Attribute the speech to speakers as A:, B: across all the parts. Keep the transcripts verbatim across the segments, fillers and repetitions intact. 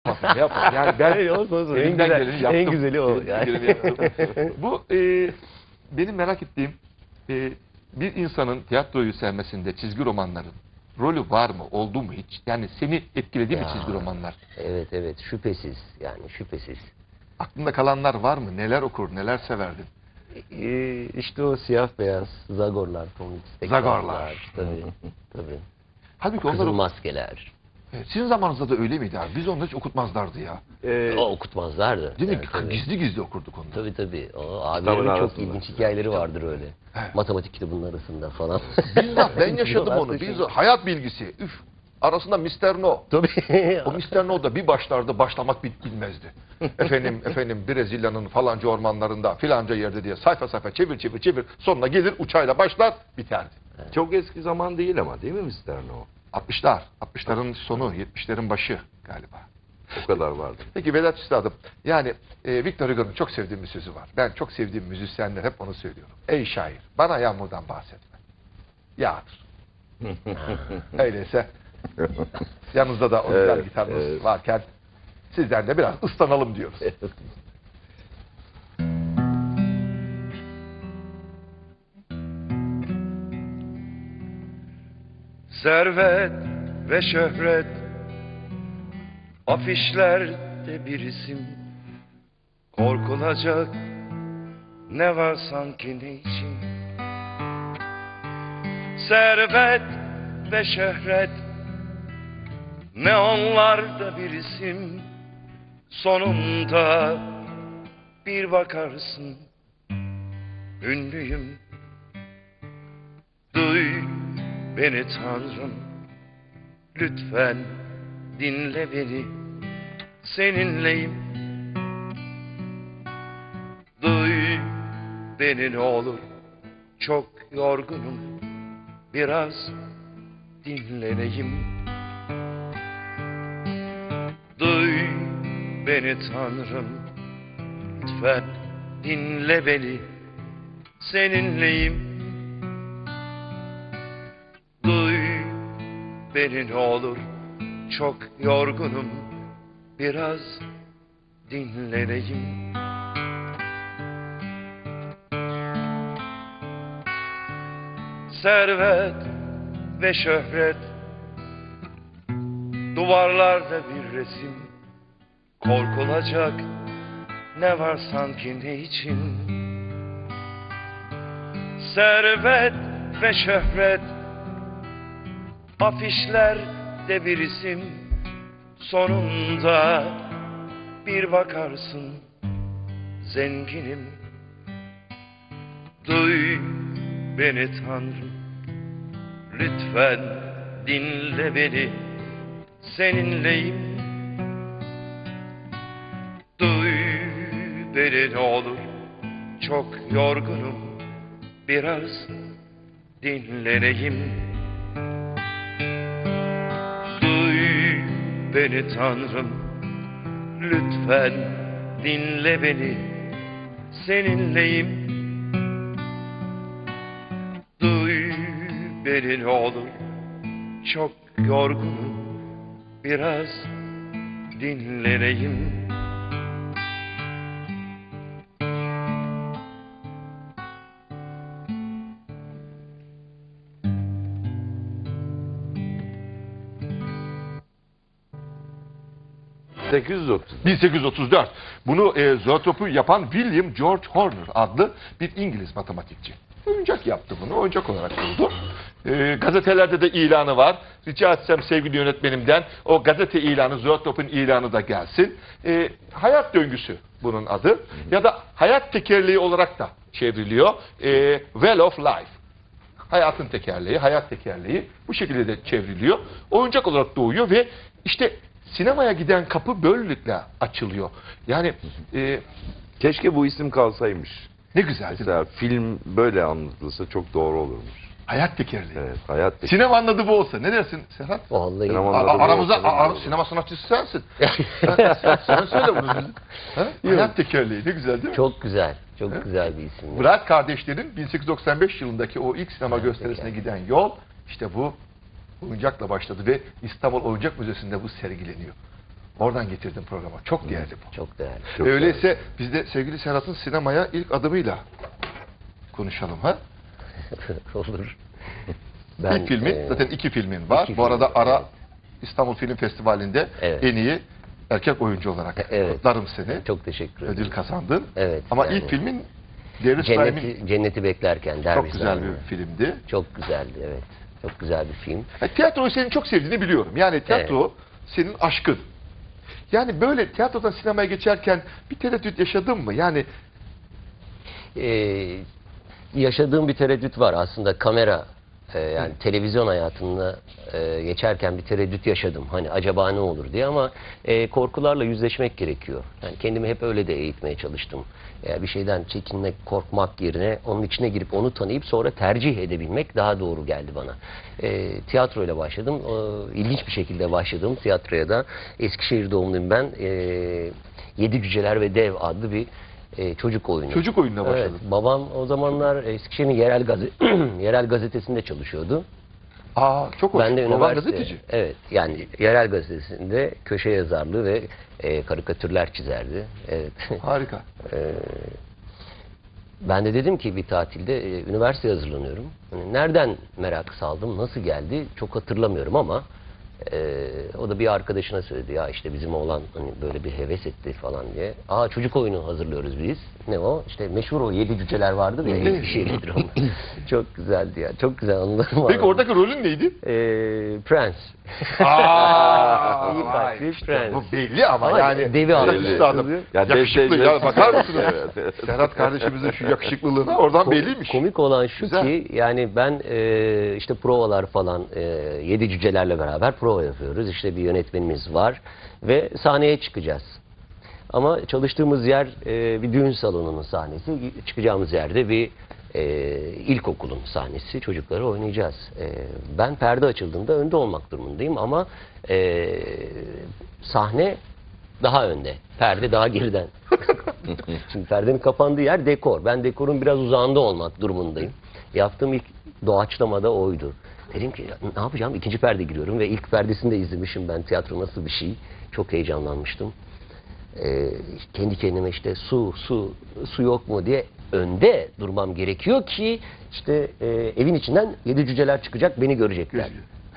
A: Ne yapalım? Yani ben elimden
B: güzel-
A: geleni yaptım.
B: en güzeli o
A: Elimden
B: yani.
A: geleni yaptım. Bu e, benim merak ettiğim e, bir insanın tiyatroyu sevmesinde çizgi romanların rolü var mı? Oldu mu hiç? Yani seni etkiledi mi
B: Ya.
A: çizgi romanlar?
B: Evet evet, şüphesiz yani şüphesiz.
A: Aklında kalanlar var mı? Neler okur, neler severdin?
B: Ee, işte o siyah beyaz Zagorlar, Comics'teki
A: Zagorlar.
B: tabii tabii.
A: Halbuki
B: Kızıl
A: onları...
B: maskeler.
A: E, sizin zamanınızda da öyle miydi abi? Biz onları hiç okutmazlardı ya.
C: Ee,
B: O okutmazlardı.
A: Değil mi?
B: Evet, tabii.
A: Gizli gizli okurduk onları.
B: Tabii tabii. O
C: Kitabın
B: abilerin çok
C: arasında.
B: ilginç hikayeleri vardır öyle.
A: Evet.
B: Matematik kitabının arasında falan.
A: Bizzat ben yaşadım
B: Diyorlar
A: onu.
B: tabii.
A: Bizzat hayat bilgisi. Üf. Arasında mister No.
B: Tabii.
A: O mister No da bir başlardı, başlamak bil- bilmezdi. efendim, efendim Brezilya'nın falanca ormanlarında filanca yerde diye sayfa sayfa çevir çevir çevir. Sonuna gelir uçayla başlar, biterdi.
C: Çok eski zaman değil ama, değil mi mister No?
A: altmışlar. altmışların sonu, yetmişlerin başı galiba.
C: O kadar vardı.
A: Peki Vedat Üstadım, yani e, Victor Hugo'nun çok sevdiğim bir sözü var. Ben çok sevdiğim müzisyenler hep onu söylüyorum. Ey şair, bana yağmurdan bahsetme. Yağdır. Öyleyse yanınızda da o güzel
C: Evet,
A: gitarınız
C: evet.
A: varken sizden de biraz ıslanalım diyoruz.
D: Servet ve şöhret, afişlerde bir isim, korkulacak ne var sanki ne için? Servet ve şöhret, neonlarda bir isim, sonunda bir bakarsın ünlüyüm. Duy beni Tanrım, lütfen dinle beni, seninleyim. Duy beni ne olur, çok yorgunum, biraz dinleneyim. Duy beni Tanrım, lütfen dinle beni, seninleyim. Duy beni ne olur, çok yorgunum, biraz dinleneyim. Servet ve şöhret, duvarlarda bir resim, korkulacak ne var sanki ne için? Servet ve şöhret, afişlerde bir isim, sonunda bir bakarsın zenginim. Duy beni Tanrım, lütfen dinle beni, seninleyim. Duy beni ne olur, çok yorgunum, biraz dinleneyim. Duy beni Tanrım, lütfen dinle beni, seninleyim. Duy beni ne olur, çok yorgunum, biraz dinleneyim.
C: sekiz yüz otuz.
A: bin sekiz yüz otuz dört. Bunu e, Zoetrope'u yapan William George Horner adlı bir İngiliz matematikçi. Oyuncak yaptı bunu. Oyuncak olarak buldu. E, gazetelerde de ilanı var. Rica etsem sevgili yönetmenimden o gazete ilanı, Zoetrope'un ilanı da gelsin. E, hayat döngüsü bunun adı. Ya da hayat tekerleği olarak da çevriliyor. E, Well of Life. Hayatın tekerleği, hayat tekerleği bu şekilde de çevriliyor. Oyuncak olarak doğuyor ve işte sinemaya giden kapı böylelikle açılıyor. Yani e,
C: Keşke bu isim kalsaymış.
A: ne güzel değil mi?
C: Mesela film böyle anlatılsa çok doğru olurmuş.
A: Hayat tekerleği.
C: Evet, hayat tek-
A: Sinema anladı bu olsa. Ne dersin Serhat?
B: Vallahi.
C: Sinema-
A: A-
C: Anladı bu
A: aramıza
C: olsa ne
A: a- a-
C: olur?
A: sinema sanatçısı sensin. sen, sen, sen söyle bunu. Ha? Hayat tekerleği ne güzel değil mi?
B: Çok güzel. Çok
A: Evet.
B: güzel bir isim.
A: Wright kardeşlerin bin sekiz yüz doksan beş yılındaki o ilk sinema gösterisine giden yol işte bu oyuncakla başladı ve İstanbul Oyuncak Müzesi'nde bu sergileniyor. Oradan getirdim programa. Çok değerli bu.
B: Çok değerli.
C: Çok
A: Öyleyse biz de sevgili Serhat'ın sinemaya ilk adımıyla konuşalım ha.
B: Olur.
A: ilk filmin,
B: e,
A: zaten iki filmin var.
B: iki
A: Bu arada
B: film,
A: Ara
B: evet.
A: İstanbul Film Festivali'nde
B: Evet.
A: en iyi erkek oyuncu olarak
B: Evet.
A: kutlarım seni.
B: Çok teşekkür ederim.
A: Ödül kazandın.
B: Evet.
A: Ama
B: yani
A: ilk filmin Darius Slime'in
B: Cenneti, Cenneti Beklerken. Derviş
A: çok güzel
B: Slime'ın.
A: bir filmdi.
B: Çok güzeldi, evet. Çok güzel bir film.
A: Yani tiyatroyu senin çok sevdiğini biliyorum. Yani tiyatro senin aşkın. Yani böyle tiyatrodan sinemaya geçerken bir tereddüt yaşadın mı? Yani
B: Ee, yaşadığım bir tereddüt var aslında kamera e, yani televizyon hayatında e, geçerken bir tereddüt yaşadım. Hani acaba ne olur diye ama e, korkularla yüzleşmek gerekiyor. Yani kendimi hep öyle de eğitmeye çalıştım. Yani bir şeyden çekinmek, korkmak yerine onun içine girip onu tanıyıp sonra tercih edebilmek daha doğru geldi bana. E, tiyatroyla başladım. E, ilginç bir şekilde başladım tiyatroya da. Eskişehir doğumluyum ben. E, Yedi Cüceler ve Dev adlı bir e, çocuk oyunu.
A: çocuk oyununa başladın.
B: Evet, babam o zamanlar Eskişehir'in yerel, gazete, yerel gazetesinde çalışıyordu.
A: Aa çok hoş.
B: Ben de
A: Baban
B: üniversite,
A: gazeteci.
B: evet, yani yerel gazetesinde köşe yazarlığı ve e, karikatürler çizerdi. Evet.
A: Harika.
B: E, ben de dedim ki bir tatilde e, üniversiteye hazırlanıyorum. Hani nereden merak saldım, nasıl geldi çok hatırlamıyorum ama e, o da bir arkadaşına söyledi. Ya işte bizim oğlan hani böyle bir heves etti falan diye. Aa çocuk oyunu hazırlıyoruz biz. Ne o? İşte meşhur o Yedi Cüceler vardır ya. Eskişehir'lidir onlar. Çok güzeldi ya. Çok güzel anılarım var.
A: Peki oradaki rolün neydi?
B: E, Prens.
A: Aa,
B: İyi kalpli prens.
A: bu belli ama,
B: Ama
A: yani
B: devi aldı.
A: yakışıklı adam.
C: Ya
A: Yakışıklı
C: dev-
A: ya,
C: dev-
A: bakar mısınız?
C: Evet, evet.
A: Serhat kardeşimizin şu yakışıklılığına oradan
B: Kom-
A: belliymiş.
B: Komik olan şu
A: Güzel.
B: ki yani ben e, işte provalar falan e, Yedi Cücelerle beraber prova yapıyoruz. İşte bir yönetmenimiz var ve sahneye çıkacağız. Ama çalıştığımız yer e, bir düğün salonunun sahnesi. Çıkacağımız yerde bir e, ilkokulun sahnesi. Çocukları oynayacağız. E, ben perde açıldığında önde olmak durumundayım ama e, sahne daha önde. Perde daha geriden. Şimdi perdenin kapandığı yer dekor. Ben dekorun biraz uzağında olmak durumundayım. Yaptığım ilk doğaçlamada oydu. Dedim ki ne yapacağım? İkinci perde giriyorum ve ilk perdesini de izlemişim ben. Tiyatro nasıl bir şey? Çok heyecanlanmıştım. Ee, kendi kendime işte su, su, su yok mu diye önde durmam gerekiyor ki işte e, evin içinden yedi cüceler çıkacak, beni görecekler.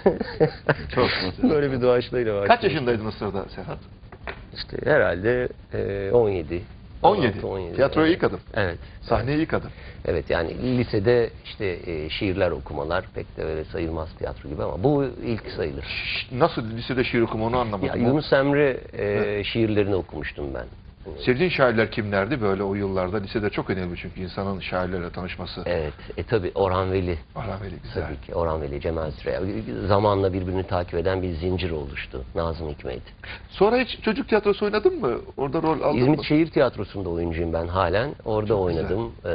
A: Çok
B: Böyle bir doğaçlayla var.
A: Kaç yaşındaydın o sırada Serhat?
B: İşte herhalde e, on yedi.
A: on yedi.
B: altı, on yedi.
A: Tiyatroya
B: Evet.
A: ilk adım.
B: Evet.
A: Sahneye ilk adım.
B: Evet yani lisede işte e, şiirler okumalar pek de öyle sayılmaz tiyatro gibi ama bu ilk sayılır.
A: Nasıl lisede şiir okuma onu anlamadım.
B: Ya
A: ben.
B: Yunus Emre e, şiirlerini okumuştum ben.
A: Sevdiğin şairler kimlerdi böyle o yıllarda? Lisede çok önemli çünkü insanın şairlerle tanışması.
B: Evet. E tabi Orhan Veli.
A: Orhan Veli güzel.
B: Tabii ki Orhan Veli, Cemal Süreya. Zamanla birbirini takip eden bir zincir oluştu. Nazım Hikmet.
A: Sonra hiç çocuk tiyatrosu oynadın mı? Orada rol aldın
B: İzmit
A: mı?
B: Şehir Tiyatrosu'nda oyuncuyum ben halen. Orada
A: Çok
B: oynadım. Ee,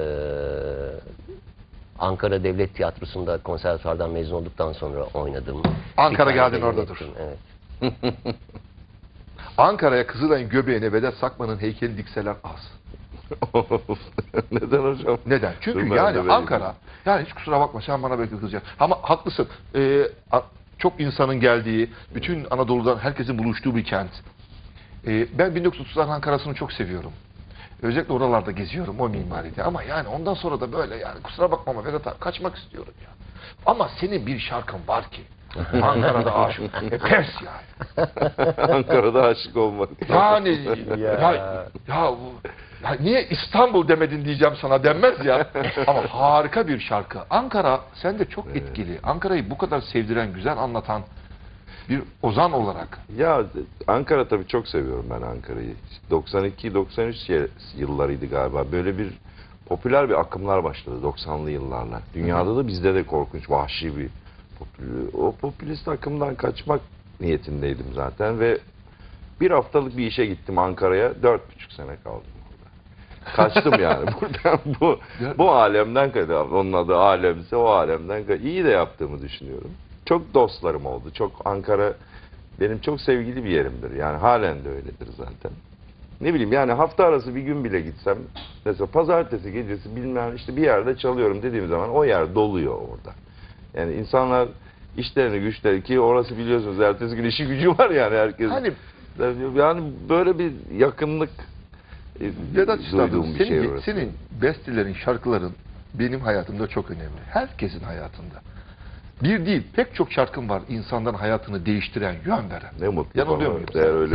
B: Ankara Devlet Tiyatrosu'nda konservatuvardan mezun olduktan sonra oynadım.
A: Ankara
B: Bir tane
A: geldin
B: de
A: orada
B: yönettim,
A: dur.
B: Evet.
A: Ankara'ya Kızılay'ın göbeğine Vedat Sakman'ın heykeli dikseler az.
C: Neden hocam?
A: Neden? Çünkü
C: Dur, ben de
A: yani
C: vereyim.
A: Ankara, yani hiç kusura bakma sen bana belki kızacaksın. Ama haklısın. Ee, a- çok insanın geldiği, bütün Anadolu'dan herkesin buluştuğu bir kent. Ee, ben bin dokuz yüz otuzlar Ankara'sını çok seviyorum. Özellikle oralarda geziyorum o mimaride. Ama yani ondan sonra da böyle yani kusura bakma ama Vedat abi kaçmak istiyorum ya. Ama senin bir şarkın var ki. Ankara'da aşık. E, pes yani.
C: Ankara'da aşık olmak.
A: Yani
B: Ya.
A: ya, ya, bu, ya niye İstanbul demedin diyeceğim sana denmez ya. Ama harika bir şarkı. Ankara sen de çok etkili. Ankara'yı bu kadar sevdiren, güzel anlatan bir ozan olarak.
C: Ya Ankara tabii çok seviyorum ben Ankara'yı. doksan iki doksan üç ye- yıllarıydı galiba. Böyle bir popüler bir akımlar başladı doksanlı yıllarla. Dünyada da bizde de korkunç, vahşi bir popül- o popülist akımdan kaçmak niyetindeydim zaten ve bir haftalık bir işe gittim Ankara'ya. Dört buçuk sene kaldım orada. Kaçtım yani buradan bu bu alemden kaçtım. Onun adı alemse o alemden kaçtım. İyi de yaptığımı düşünüyorum. Çok dostlarım oldu. Çok Ankara benim çok sevgili bir yerimdir. Yani halen de öyledir zaten. Ne bileyim yani hafta arası bir gün bile gitsem mesela pazartesi gecesi bilmem işte bir yerde çalıyorum dediğim zaman o yer doluyor orada. Yani insanlar işlerini güçleri ki orası biliyorsunuz ertesi gün işi gücü var yani herkes.
A: Hani
C: Yani böyle bir yakınlık e,
A: Vedat Üstadım,
C: duyduğum bir
A: senin,
C: şey orası.
A: senin bestelerin, şarkıların benim hayatımda çok önemli. Herkesin hayatında. Bir değil, pek çok şarkın var insanların hayatını değiştiren, yön veren.
C: Ne mutlu
A: Yanılıyor
C: bana.
A: muyum?
C: Eğer öyle